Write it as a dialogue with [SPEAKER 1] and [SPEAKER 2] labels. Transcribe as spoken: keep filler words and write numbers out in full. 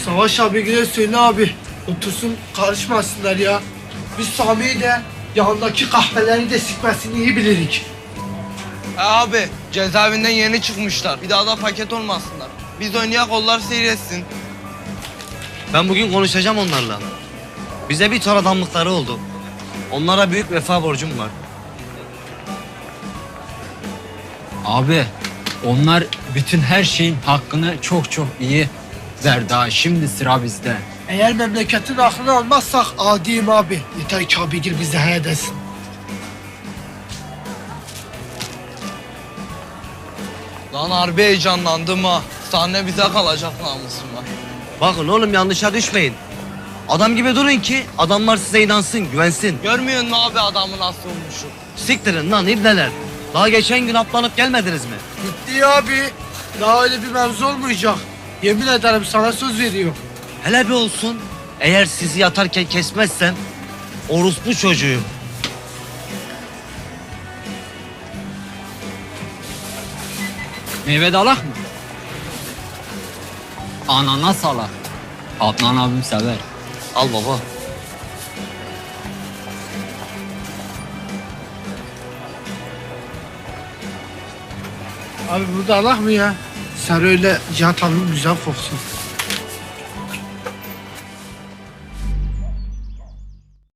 [SPEAKER 1] Savaş abigile söyle abi. Otursun karışmasınlar ya. Biz Sami'yi de yanındaki kahveleri de sikmesini iyi bilirik.
[SPEAKER 2] Ha abi cezaevinden yeni çıkmışlar. Bir daha da paket olmasınlar. Biz oynayak onlar seyretsin.
[SPEAKER 3] Ben bugün konuşacağım onlarla. Bize bir ton adamlıkları oldu. Onlara büyük vefa borcum var.
[SPEAKER 4] Abi onlar bütün her şeyin hakkını çok çok iyi verdi ha. Şimdi sıra bizde.
[SPEAKER 1] Eğer memleketin aklını almazsak adiyim abi. Yeter ki abigil bize he desin.
[SPEAKER 2] Lan harbi heyecanlandım ha. Sahne bize kalacak namusumla.
[SPEAKER 3] Bakın oğlum yanlışa düşmeyin. Adam gibi durun ki adamlar size inansın, güvensin.
[SPEAKER 2] Görmüyor musun abi adamı nasıl olmuşu?
[SPEAKER 3] Siktirin lan ibneler. Daha geçen gün aplanıp gelmediniz mi?
[SPEAKER 1] Bitti ya abi. Daha öyle bir mevzu olmayacak. Yemin ederim sana söz veriyorum.
[SPEAKER 3] Hele bir olsun. Eğer sizi yatarken kesmezsem orospu çocuğuyum.
[SPEAKER 4] Meyve de alak mı? Ananas alak. Adnan abim sever.
[SPEAKER 3] Al baba.
[SPEAKER 1] Abi burada Allah mı ya? Sen öyle Cihat abim güzel koksun.